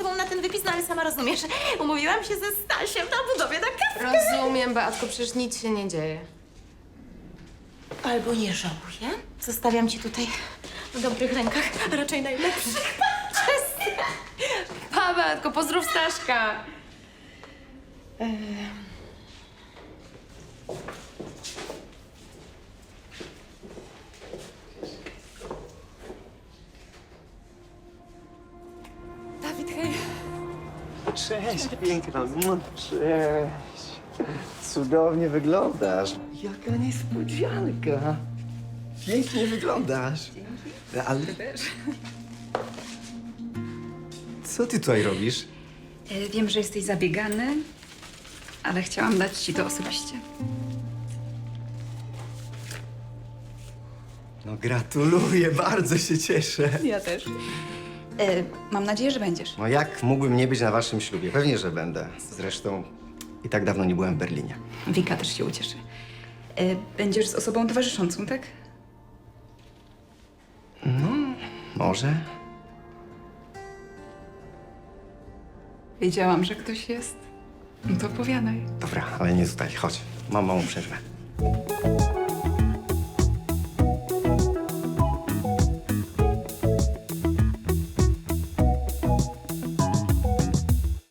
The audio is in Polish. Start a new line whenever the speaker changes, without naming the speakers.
zgodą na ten wypis, no ale sama rozumiesz, umówiłam się ze Stasiem na budowie na kawę.
Rozumiem, Beatko, przecież nic się nie dzieje.
Albo nie żałuję. Zostawiam cię tutaj w dobrych rękach, a raczej najlepszych.
Pa, Beatko, pozdrów Staszka. Dawid, hej.
Cześć, piękna. Cześć. Cudownie wyglądasz. Jaka niespodzianka. Pięknie wyglądasz. Ale... Co ty tutaj robisz?
Wiem, że jesteś zabiegany, ale chciałam dać ci to osobiście.
No gratuluję, bardzo się cieszę.
Ja też. Mam nadzieję, że będziesz.
No jak mógłbym nie być na waszym ślubie? Pewnie, że będę. Zresztą i tak dawno nie byłem w Berlinie.
Wika też się ucieszy. Będziesz z osobą towarzyszącą, tak?
Może?
Wiedziałam, że ktoś jest. No to opowiadaj.
Dobra, ale nie tutaj. Chodź. Mam małą przerwę.